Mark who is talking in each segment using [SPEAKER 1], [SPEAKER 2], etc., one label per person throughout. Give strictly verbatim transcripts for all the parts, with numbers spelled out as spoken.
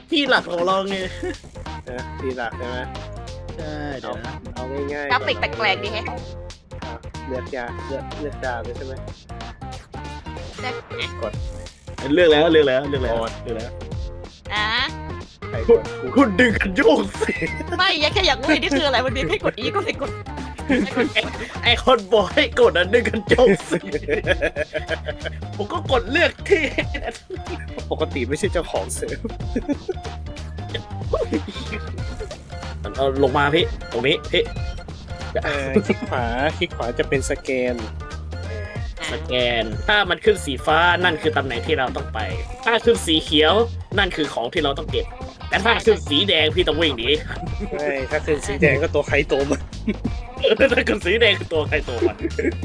[SPEAKER 1] ที่หลักของเราไง
[SPEAKER 2] นะทีหลักใช่ไหม
[SPEAKER 1] ใช่เดี๋ยวนะ
[SPEAKER 2] เอาง่ายๆ
[SPEAKER 3] กราฟิกแปลกๆดีแฮะ
[SPEAKER 2] อ่ะเลือกยาเลือกเลือกดาวเลยใช่ไหม กด
[SPEAKER 1] เลือกแล้วเลือกแล้วเลือกแล้ว
[SPEAKER 2] โอ้
[SPEAKER 1] เลือกแล้ว
[SPEAKER 3] อ่ะ
[SPEAKER 2] ใครกดกู
[SPEAKER 1] คุณดึงกันโยกสิ
[SPEAKER 3] ไม่ยังแค่อยากรู้นี่คืออะไรวันนี้ให้กดอีก็เลยกด
[SPEAKER 1] ไอคนบอกให้กดอันดึงกันโยกสิผมก็กดเลือกที่
[SPEAKER 2] ปกติไม่ใช่เจ้าของเซิร์ฟ
[SPEAKER 1] เอาลงมาพี่ตรงนี้พี่
[SPEAKER 2] เออคลิกขวาคลิกขวาจะเป็นสแกน
[SPEAKER 1] สแกนถ้ามันขึ้นสีฟ้านั่นคือตำแหน่งที่เราต้องไป ถ้าขึ้นสีเขียวนั่นคือของที่เราต้องเก็บแต่ถ้าขึ้นสีแดงพี่ต้องวิ่งหนี
[SPEAKER 2] ไม่ถ้าขึ้นสีแดงก็ตัวใครตัวมัน
[SPEAKER 1] ถ้าขึ้นสีแดงคือตัวใครตัวมัน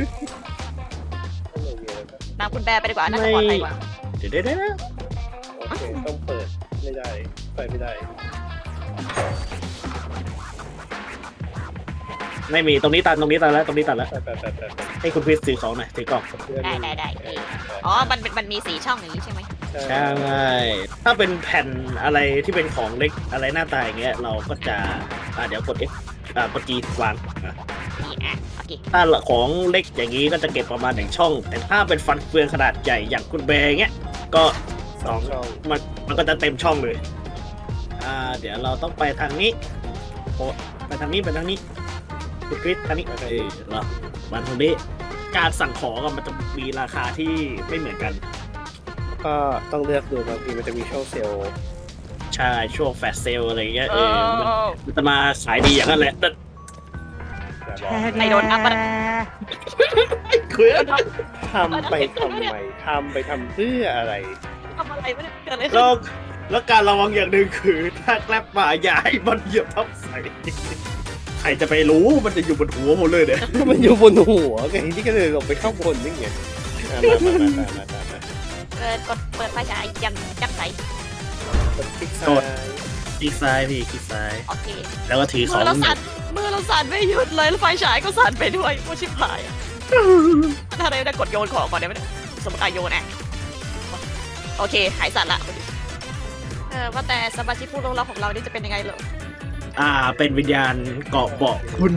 [SPEAKER 3] ตามคุณแบร์ไปดีกว่าน่าจะปลอดภัยกว่า
[SPEAKER 1] เดี๋ยวเดี๋ยวเดี๋ยว
[SPEAKER 2] โอเคต้องเปิดไม่ได้ไปไม่ได้
[SPEAKER 1] ไม่มีตรงนี้ตันตรงนี้ตันแล้วตรงนี้ตันแล้ว
[SPEAKER 2] ไปไปไปไปไป
[SPEAKER 1] ให้คุณพิสซื้อของหน่อยถือกล่อง
[SPEAKER 2] เพื่อน
[SPEAKER 3] ได้ได้ได้เอออ๋อมันมันมันมีสีช่องอย่างนี้ใช่ไหม
[SPEAKER 1] ใช่ถ้าเป็นแผ่นอะไรที่เป็นของเล็กอะไรหน้าตาอย่างเงี้ยเราก็จะอ่าเดี๋ยวกด F อ่ากด G วางอ่ะ
[SPEAKER 3] นี่อ่ะโอเค
[SPEAKER 1] ถ้าของเล็กอย่างนี้ก็จะเก็บประมาณหนึ่งช่อง แต่ถ้าเป็นฟันเฟืองขนาดใหญ่อย่างคุณแบร์เงี้ยก็สอง
[SPEAKER 2] ช่อง
[SPEAKER 1] มันมันก็จะเต็มช่องเลยอ่าเดี๋ยวเราต้องไปทางนี้โอ้ไปทางนี้ไปทางนี้คุณคริสทางนี้เออเรามาทางนี้การสั่งของอะมันจะมีราคาที่ไม่เหมือนกัน
[SPEAKER 2] ก็ต้องเลือกดูบางทีมันจะมีช่องเซลล์
[SPEAKER 1] ใช่ช่วงแฟลชเซลอะไรเงี้ย
[SPEAKER 3] เอ
[SPEAKER 1] เออมัน
[SPEAKER 3] อ
[SPEAKER 1] มันจะมาขายดีอย่างนั้นแหละแต่
[SPEAKER 2] อย่าบอก
[SPEAKER 3] ไม่โดนอัพมัน
[SPEAKER 1] คือ
[SPEAKER 2] ทำไปทำไมทำไปทำเพื่ออะไร
[SPEAKER 3] ทำอะไรไม่ได้เกิดอะไรขึ้น
[SPEAKER 1] แล้วแล้วการระวังอย่างหนึ่งคือถ้าแกลบมาอย่าให้มันเหยียบทับใส่ใครจะไปรู้มันจะอยู่บนหัวหมดเลยเนี่ย
[SPEAKER 2] มันอยู่บนหัวไงที่ก็เลยลงไปข้างบนนี่ไงอ่ะมามามามามามา
[SPEAKER 3] เปิดกดเปิดไฟฉายยังยังใส
[SPEAKER 2] กดคลิกซ้าย
[SPEAKER 1] คลิกซ้ายพี่คลิกซ้าย
[SPEAKER 3] โอเค
[SPEAKER 1] แล้วก็ถือข
[SPEAKER 3] มื
[SPEAKER 1] อง
[SPEAKER 3] อเราสั่นมือเราสั่นไม่หยุดเลยแล้วไฟฉายก็สั่นไปด้วยโอ้ชิบหายอะถ้าอะไรไม่ได้กดโยนของก่อนได้ไหมเนี่ยสมมติอาโยนอ่ะโอเคหายสั่นละเออว่าแต่สมาชิกผู้ร่วมรอบของเรานี่จะเป็นยังไงเหรอ
[SPEAKER 1] อ่าเป็นวิญญาณเกาะเบาะคุณ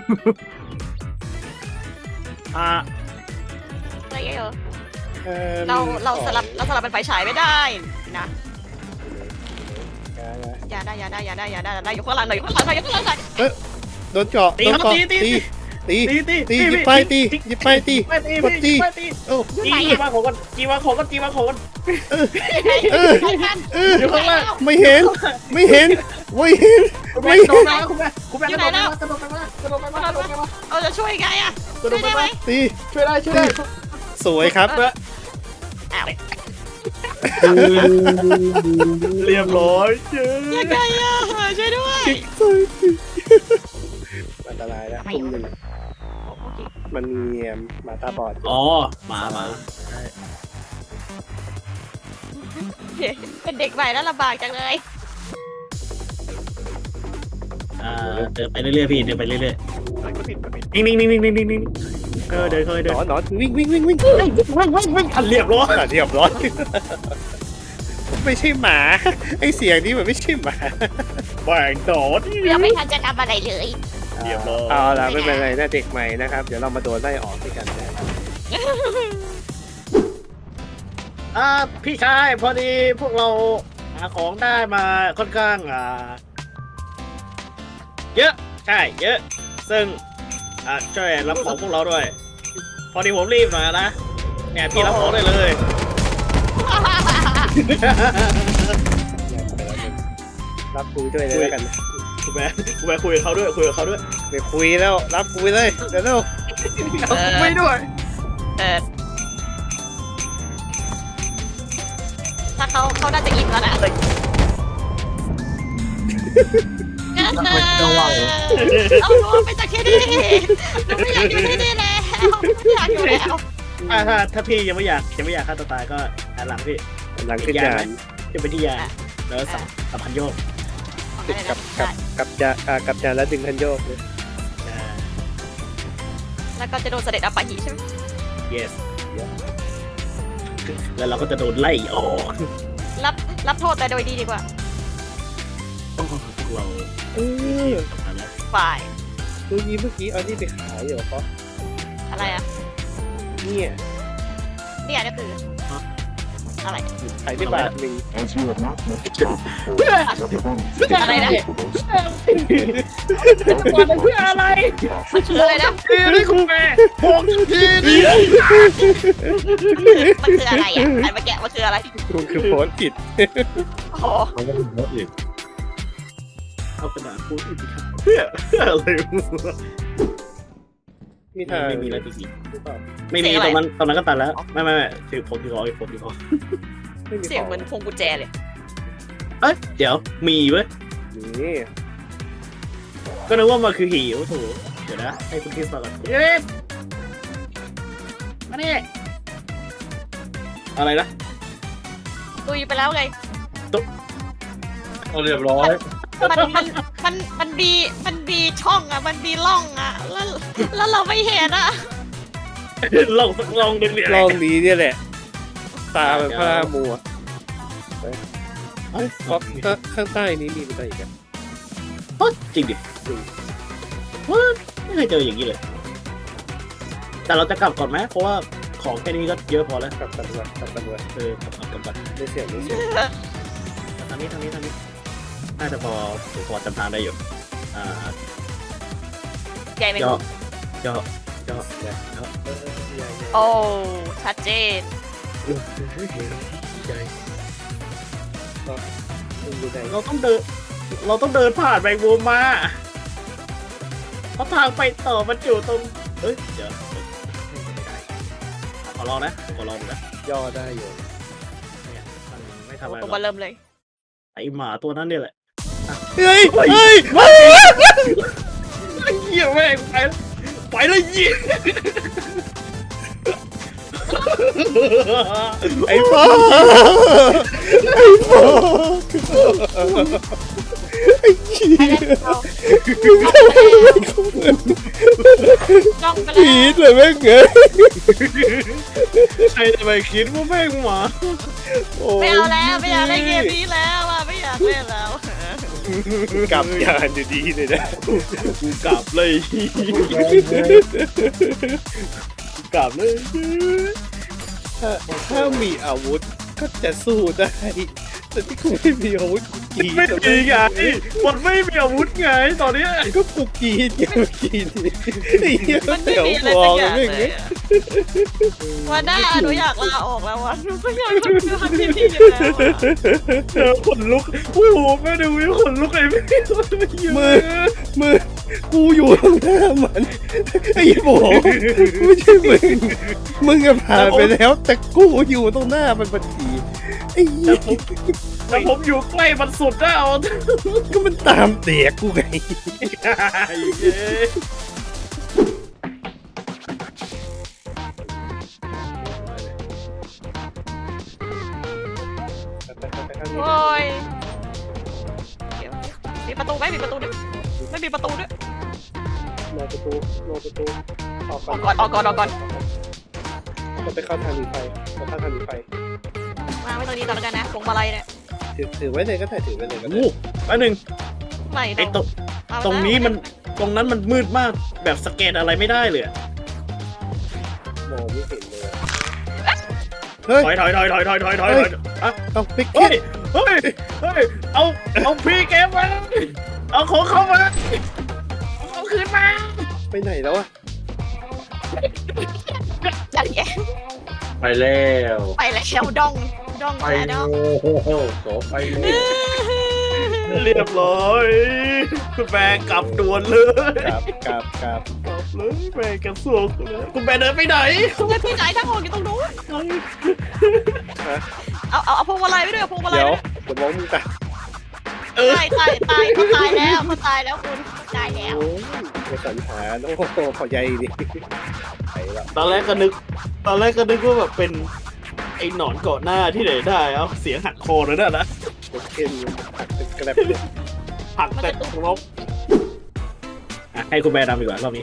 [SPEAKER 1] อ่า
[SPEAKER 3] อะไรเออ
[SPEAKER 2] อ่อ
[SPEAKER 3] เราเรา
[SPEAKER 2] มี
[SPEAKER 3] สลับเราสลับเป็นไฟฉายไม่ได้นะ
[SPEAKER 2] อ่านะ
[SPEAKER 3] อย่าได้อย่าได้อย่าได้อย่าได้อย่าได้อยู่ข้างหลังหน่อยอยู่ข้างหลังหน่อยอยู่ข้างหลังหน่อย
[SPEAKER 2] โดนเจาะ
[SPEAKER 1] ตี
[SPEAKER 2] โดน
[SPEAKER 1] ครับ
[SPEAKER 2] เจาะ
[SPEAKER 1] ตีตี
[SPEAKER 2] ตี
[SPEAKER 1] ตี
[SPEAKER 2] ตี
[SPEAKER 1] ตี
[SPEAKER 2] ตีหยิบไปตีหยิบไปตี
[SPEAKER 1] ไปตี
[SPEAKER 2] กดตี
[SPEAKER 1] ไปตี
[SPEAKER 2] โอ้
[SPEAKER 1] จีวางของกันจีวางของกันจีวางของกัน
[SPEAKER 2] เออเออ
[SPEAKER 1] อยู่ข้างล่าง
[SPEAKER 2] ไม่เห็น ไม่เห็น ไม่เห็น
[SPEAKER 1] คุณแม่โดนมาคุณแม่คุณแม่กระโดดมากระโดดมากระโดดมากระโดดมา
[SPEAKER 3] เราจะช่วยไงอะ
[SPEAKER 1] กระโด
[SPEAKER 3] ช่ว
[SPEAKER 1] ด
[SPEAKER 3] ยได้
[SPEAKER 1] มา
[SPEAKER 3] ไหม
[SPEAKER 2] ตี
[SPEAKER 1] ช่วยได้ช่วยได้
[SPEAKER 2] สวยครับ
[SPEAKER 3] อ้าว
[SPEAKER 1] เรียบร้อยเจ้
[SPEAKER 3] ยังไงอะช่วยด้วย
[SPEAKER 2] อันตรายแล้วคุมหนึ่งมันมีหมาตาบอด
[SPEAKER 1] อ๋อมามา
[SPEAKER 3] เป็นเด็กใหม่แล้วลำบากจังเลย
[SPEAKER 1] อ่าเดินไปเรื่อยๆพี่เดินไปเรื่อยๆนิ่งๆนิ่งๆนิ่งๆนิ่งๆนิ่งๆเออเดินค่อยๆเดิ
[SPEAKER 2] ห
[SPEAKER 1] น
[SPEAKER 2] นอนหนอนวิ่งวิ่งวิ่งวิ่ง
[SPEAKER 1] วิ่งวิ่งวิ่งทันเรียบร้อย
[SPEAKER 2] อ่ะเรียบร้อยไม่ใช่หมาไอเสียงนี้มันไม่ใช่หมา
[SPEAKER 1] แบ่งโดด
[SPEAKER 3] ยังไม่ทันจะทำอะไรเลย
[SPEAKER 1] เรียบร้อย
[SPEAKER 2] เอาละไม่เป็นไรนะเด็กใหม่นะครับ เดี๋ยวเรามาโดนไล่ออกด้วยกันนะ
[SPEAKER 1] อ่าพี่ชายพอดีพวกเราหาของได้มาค่อนข้างอ่าเยอะใช่เยอะ ซึ่งอ่าช่วยรับของพวกเราด้วย พอดีผมรีบหน่อยนะเนี่ยพี่รับของได้เลย
[SPEAKER 2] รับคุยด้วยเลยแล้วกัน
[SPEAKER 1] คุณแม่คุณแม่คุยกับเขาด้วยคุยกับเขาด้วย
[SPEAKER 2] ไม่คุยแล้วรับคุยเลยเดี๋ยวเร็ว
[SPEAKER 1] ไม่ด้วย
[SPEAKER 3] เออถ้าเขาเขาน่าจะอิ่มแล้วนะเอาหนูไปจากที่นี่หนูไม่อยากอยู่ที่นี่แล้วไม่อยากอยู่แล้ว
[SPEAKER 1] ถ้าถ้าถ้าพี่ยังไม่อยากยังไม่อยากฆ่าตัวตายก็หันหลังพี่
[SPEAKER 2] หลังขึ้นยาน
[SPEAKER 1] จะไปที่ยานแล้วสับสับพันโยก
[SPEAKER 2] กับกับกับยาอ่ากับยานแล้วดึงคันโยกเลย
[SPEAKER 1] อ่า
[SPEAKER 3] แล้วก็จะโดนเสด็จอปาหิใช่ไหม
[SPEAKER 1] yes แล้วเราก็จะโดนไล่ออก
[SPEAKER 3] รับรับโทษแต่โดยดีดีกว่า
[SPEAKER 1] โอ้เรา
[SPEAKER 2] เออ
[SPEAKER 1] ทำแล้ว
[SPEAKER 3] ฝ่าย
[SPEAKER 2] ดูนี้เมื่อกี้เอานี่ไปขายเหรอเพราะ
[SPEAKER 3] อะไรอ่ะ
[SPEAKER 2] เนี่ย
[SPEAKER 3] เนี่ยนี่คืออะไร
[SPEAKER 2] ขายได้บาทหนึ่ง
[SPEAKER 4] As you have not met the top before,
[SPEAKER 3] อะไรนะ
[SPEAKER 1] ก่อนเพื่ออะไร
[SPEAKER 3] มันคืออะไรนะ
[SPEAKER 1] คือนี่คุณแม่บอกทีนี่
[SPEAKER 3] มันคืออะไรอ่ะอันเมื่อกี้มันคืออะไร
[SPEAKER 2] คุณคือโพสต์อิด
[SPEAKER 3] โอ้โห
[SPEAKER 4] I haven't met you.
[SPEAKER 1] เอากระดาษพูดอีกครับเพื่อเพื่ออะไร
[SPEAKER 2] มีทาง
[SPEAKER 1] ไม่มีแล้วจริง
[SPEAKER 2] หรือเปล่า
[SPEAKER 1] ๆไม่มีตอนนั้นตอนนั้นก็ตัดแล้วไม่ไม่ไม่ถือผมถือของอีกผมถือของ
[SPEAKER 2] ไม่มี
[SPEAKER 3] เสียงเหมือนพวงกุญแจเลย
[SPEAKER 1] เอ้ยเดี๋ยวมีเว้ย
[SPEAKER 2] นี่
[SPEAKER 1] ก็นึกว่ามันคือหิวถูกเดี๋ยวนะให้คุณคริสมาก่อนเอ๊ะมาเนี่ยอะไรนะ
[SPEAKER 3] ตุยไปแล้วไง
[SPEAKER 4] เอาเรียบร้อย
[SPEAKER 3] มันมันมันมันมีมันมีช่องอ่ะมันมีร่องอ่ะแล้วแล้วเราไม่เห็นอ่ะ
[SPEAKER 1] ลองลองดึงเนี่ย
[SPEAKER 2] ลองนี้เนี่ยแหละ ตาแบบพระมัวเพราะข้างใต้นี้มีอะไรอีกอะ
[SPEAKER 1] เฮ้ยจริงดิจริงว้าไม่เคยเจออย่างนี้เลย แต่เราจะกลับก่อนไหมเพราะว่าของแค่นี้ก็เยอะพอแล้ว
[SPEAKER 2] กลับตำรวจกลับตำรวจ
[SPEAKER 1] เออกลับกลับกลับกลับ
[SPEAKER 2] ไม่เสียงไม่เสียง
[SPEAKER 1] ทางนี้ทางนี้ทางนี้น่าจะพอพอจำทางได้อยู่อ่า
[SPEAKER 3] ใหญ่ไหม
[SPEAKER 1] ย่อ
[SPEAKER 3] คุณ
[SPEAKER 1] ย่อย่อ
[SPEAKER 2] เออเออใหญ่ใหญ่
[SPEAKER 3] โอ้ชัดเจน
[SPEAKER 1] ใหญ่
[SPEAKER 2] ดูได้
[SPEAKER 1] เราต้องเดิน เราต้องเดินผ่านแมงมุมมาเพราะทางไปต่อมันอยู่ตรงเอ้ยเดี๋ยวไม่ได้ขอลองนะขอลองดูนะ
[SPEAKER 2] ย่อได้อยู่
[SPEAKER 1] เนี่ยมันไม่ทำอะไร
[SPEAKER 3] ตัว
[SPEAKER 1] หร
[SPEAKER 3] มา
[SPEAKER 1] อก
[SPEAKER 3] เริ่มเลย
[SPEAKER 1] ไอหมาตัวนั้นเนี่ยแหละ
[SPEAKER 2] เฮ้ยเฮ้ย
[SPEAKER 1] เหี้ยแม่งไปแล้วไปแล้วเหี้ย
[SPEAKER 2] ไอ้พ่อไอ้พ่อไอ้ขี้
[SPEAKER 3] ไปแล้วจ้องไป
[SPEAKER 2] ผี
[SPEAKER 3] แล้ว
[SPEAKER 2] เลยแม่งเอ้ย
[SPEAKER 1] ใครจะไปคิดว่าแม่งหมา
[SPEAKER 2] โอ้
[SPEAKER 3] ไม่เอาแล้วไม่อยากเล่นเกมนี้แล้วอ่ะไม่อยากเล่นแล้ว
[SPEAKER 2] กลับยานอยู่ดีเลยนะ
[SPEAKER 1] กูกลับเลยกลับเลย
[SPEAKER 2] ถ้าถ้ามีอาวุธก็จะสู้ได้แต่ที่กูไม่มีอาวุธกูกรีด
[SPEAKER 1] ไม่มีไงมันไม่มีอาวุธไงตอนเนี้ย
[SPEAKER 2] ก็กูกรีดไงเมื่อกี้นี่ไอ้เหี้ย
[SPEAKER 3] มันไม่
[SPEAKER 2] เดี๋ยว
[SPEAKER 3] มีอะไร
[SPEAKER 2] ฟอ
[SPEAKER 3] สัก
[SPEAKER 2] ง
[SPEAKER 3] อย่าง
[SPEAKER 2] ไม่
[SPEAKER 3] เล
[SPEAKER 2] เงี้
[SPEAKER 3] ย
[SPEAKER 2] ย
[SPEAKER 3] อะวันหน้าหนูอยากลาออกแล้ววันหนูไม่อยากทำงานที่นี่อยู่แล้วอะ
[SPEAKER 1] เจอขนลุกอุ้ยโหแม่ดูวิวขนลุกเลยไม่
[SPEAKER 2] มือมือกูอยู่ตรงหน้ามันไอ้โบไม่ใช่มึงมึงอะผ่านไปแล้ว แต่กูอยู่ตรงหน้ามันพอดีไอ้เหี้ย
[SPEAKER 1] แต่ผมอยู่ใกล้มันสุดแล้ว
[SPEAKER 2] ก็มันตามเด็กกูไง
[SPEAKER 3] โอ้ยเดี๋ยวมีประตูไหมมีประตูด้วยไม่มีประตูด้วย
[SPEAKER 2] รอประตูรอประตูออก
[SPEAKER 3] ออกก่อนออกก่อนออกก่อน
[SPEAKER 2] เราไปเข้าทางหนีไฟเราเข้าทางหนีไฟ
[SPEAKER 3] มาไว้ตรงนี้ก่อนแล้วกันนะพวงมาลัยเนี่ย
[SPEAKER 2] ถือถือไว้เลยก็ได้ถือไว้เลยก็ได้
[SPEAKER 1] โอ้อันหนึ่ง
[SPEAKER 3] ไม่
[SPEAKER 1] ไอ้ตรง
[SPEAKER 3] เอาไว้
[SPEAKER 1] ตรงนี้มันตรงนั้นมันมืดมากแบบสแกนอะไรไม่ได้เลย
[SPEAKER 2] มองไม่เห็นเลยเฮ้ย
[SPEAKER 1] ถอยถอยถอยถอยถอยถอยถอยถอยอ่ะ
[SPEAKER 2] เอาปิก
[SPEAKER 1] เฮ้
[SPEAKER 2] เก็
[SPEAKER 1] ย
[SPEAKER 2] ต
[SPEAKER 1] เฮ้ยเฮ้ยเอาเอาพีเกมมาเอาของเข้ามาเอาคืนมา
[SPEAKER 2] ไปไหนแล้วอะ
[SPEAKER 3] จัดแก
[SPEAKER 4] ไปแล้ว
[SPEAKER 3] ไปแล้วดองดอง
[SPEAKER 4] ไป
[SPEAKER 3] แล้วด
[SPEAKER 4] โอ้
[SPEAKER 3] อง
[SPEAKER 4] โหโสไปเลย
[SPEAKER 1] เรียบร้อยคุณแม่กลับด่วนเลย
[SPEAKER 2] กลับกลับกลับ
[SPEAKER 1] กลับเลยแม่กระสวกเลยคุณแม่เดินไปไหน
[SPEAKER 3] เงินพี่ไหนทั้งหมดอยู่ตรงนู้นเอาเอาเอาพวงมาลัยไปด้วยเอาพวงมาลัย
[SPEAKER 2] เดี๋ยว
[SPEAKER 3] ด้วย
[SPEAKER 2] เดี๋ยวมองมึงตา
[SPEAKER 1] เออ
[SPEAKER 3] ตายตายตายเขาตายแล้วเขาตายแล้วคุณตายแล้ว
[SPEAKER 2] โอ้ยไปสันหารโอ้โหขอใหญ่ดิไปละ
[SPEAKER 1] ตอนแรกก็นึก ตอนแรกก็นึกว่าแบบเป็นไอ้หนอนเกาะหน้าที่ไหนได้ เอาเสียงหักคอเลยนะนะ
[SPEAKER 2] โอเคหักเป็นกระแลบเลย
[SPEAKER 1] หักแต่ลบอ่ะให้คุณแม่นำดีกว่ารอบนี้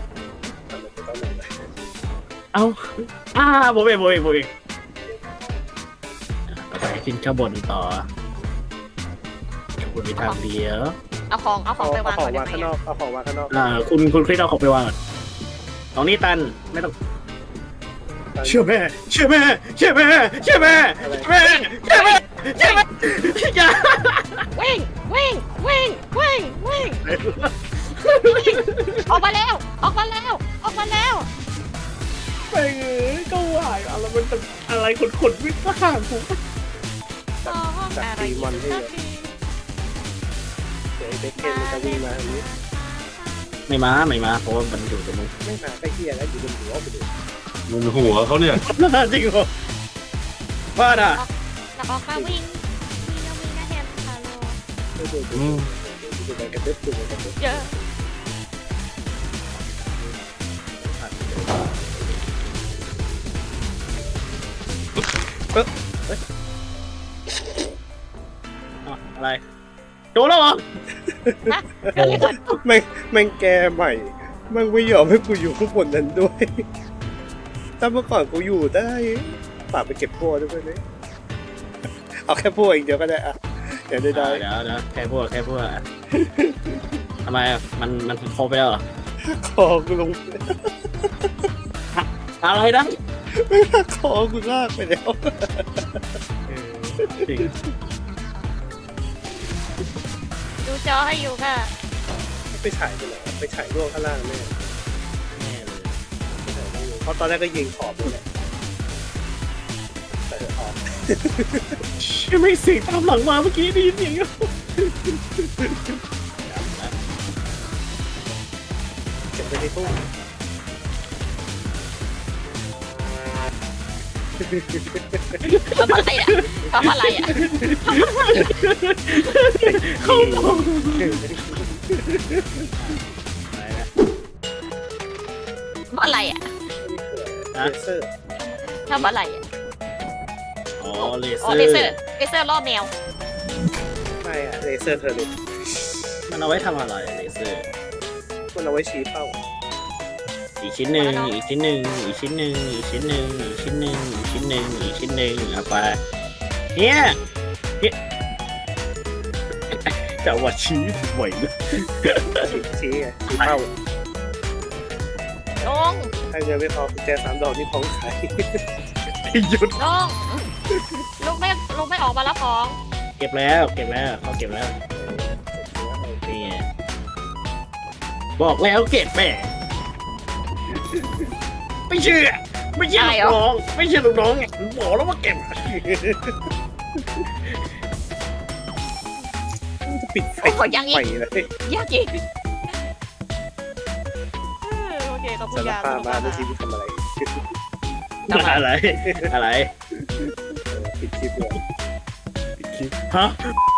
[SPEAKER 1] เอาอ่าโบเบโบเบโบเบไปขึ้นข้างบนต่อคุณมีทางเดียว
[SPEAKER 3] เอาของเอาขอ
[SPEAKER 2] เอา
[SPEAKER 3] งไป
[SPEAKER 2] เอา
[SPEAKER 3] วาง
[SPEAKER 2] ขอ
[SPEAKER 3] ก่อง นได้
[SPEAKER 2] วาง
[SPEAKER 3] ไหม
[SPEAKER 2] ข้างนอกเอาของวางข้างนอก
[SPEAKER 1] อ่าคุณคุณคริสเอาของไปวางก่อนตรงนี้ตันไม่ต้องเชื่อแม่เชื่อแม่เชื่อแม่เชื่อแม่เชื่อแม่เชื่อแม่เชื่อแม่อย่า
[SPEAKER 3] วิ่งวิ่งวิ่งวิ่งวิ่งวิ่งออกมาแล้วออกมาแล้วออกมาแล้ว
[SPEAKER 1] ไปเอ้ยก็ไหวอะไรมันเป็นอะไรขนขนวิ่งมาหาผม
[SPEAKER 3] อ๋ออะไรอีกสักที
[SPEAKER 2] เดี๋ยวไอ้เบคเคนมันจะวิ่งมาอย่างนี้
[SPEAKER 1] ไม่มาไม่มาเพราะว่ามันอยู่ตรงนู้น
[SPEAKER 2] ไม่มาใกล้เคียแล้วอยู่บนหัวไปดู
[SPEAKER 4] มึงหัวเขาเนี่ย
[SPEAKER 1] จริงเหรอว่าอ่ะ
[SPEAKER 3] เราออกมาวิ่งวิ่งแล้ววิ่งนะแฮมฮัลโหล
[SPEAKER 2] ดูดูดูดูไปกระดึ๊บดูไปกระดึ๊บ
[SPEAKER 3] เยอะ
[SPEAKER 1] อ่ะอะไรโดนแล้วเหรอ
[SPEAKER 3] นะเกิดอะไรขึ้น
[SPEAKER 2] แม่งแม่งแกใหม่แม่งไม่ยอมให้กูอยู่ข้างบนนั้นด้วยถ้าเมื่อก่อนกูอยู่ได้ฝากไปเก็บพวกด้วยไหมเอาแค่พวกเองเดียวก็ได้อะเดี๋ยวได้ได้
[SPEAKER 1] เดี๋ยวเดี๋ยวแค่พวกแค่พวกอ่ะทำไมอ่ะมันมันครบไปแล้วเหรอ
[SPEAKER 2] คอกูลง
[SPEAKER 1] อะไรนะ
[SPEAKER 2] ไม่ลากคอกูลากไปแล้ว
[SPEAKER 1] จริง
[SPEAKER 3] ดูจอให้อยู่ค่ะ
[SPEAKER 2] ไปฉายไปแล้วไปฉายร่วงข้างล่างแม่
[SPEAKER 1] แน่เลย
[SPEAKER 2] เพราะตอนแรกก็ยิงขอบเลยแหละแต่ออก
[SPEAKER 1] เชื่อไม่เสียงตามหลังมาเมื่อกี้ได้ยินเสียงอยู่
[SPEAKER 2] เก็บไปในตู้
[SPEAKER 3] ทำอะไรอ่ะทำอะไรอ่ะ
[SPEAKER 1] เขาบอก
[SPEAKER 3] ทำอะไรอ่ะ
[SPEAKER 2] เลเซอร์
[SPEAKER 3] ทำอะไรอ่ะ
[SPEAKER 1] อ๋อเลเซ
[SPEAKER 3] อ๋
[SPEAKER 1] อ
[SPEAKER 3] อ
[SPEAKER 1] ร์
[SPEAKER 3] เลเซอร์เลเซอร์ล่อแมว
[SPEAKER 2] ไม่อะเลเซอร์เธอเลย
[SPEAKER 1] มันเอาไว้ทำอะไรเลเซอร์
[SPEAKER 2] มันเอาไว้ชี้เป้า
[SPEAKER 1] อีกชิ้นหนึ่งอีกชิ้นหนึ่งอีกชิ้นหนึ่งอีกชิ้นหนึ่งอีกชิ้นหนึ่งอีกชิ้นหนึ่งอีกชิ้นหนึ่งเอาไปเนี่ยเนี่ยแต่ว่าชี้ไหวนะ
[SPEAKER 2] ชี้ชี้ไงชี้เป้า
[SPEAKER 3] ลง
[SPEAKER 2] ถ้าเงินไม่พอกุญแจสามดอกนี่ของขาย
[SPEAKER 1] หยุด
[SPEAKER 3] ลงลุงไม่ลุงไม่ออกมารับของ
[SPEAKER 1] เก็บแล้วเก็บแล้วเขาเก็บแล้วนี่ไงบอกแล้วเก็บแม่ไม่เชื่อไม่เชื่อลูกน้องไม่เชื่อลูกน้องไงบอกแล้วว่าเก็บ
[SPEAKER 2] จะปิดไฟ
[SPEAKER 3] ขอยังอี
[SPEAKER 2] ไฟ
[SPEAKER 3] ก
[SPEAKER 2] เลย
[SPEAKER 3] ยากอีกเออโอเคขอบคุณ
[SPEAKER 2] สาร
[SPEAKER 3] ยา
[SPEAKER 2] ภาพมาในชีวิตทำอะไร
[SPEAKER 1] อะไรอะไร
[SPEAKER 2] ปิดคลิปเลย
[SPEAKER 1] ฮะ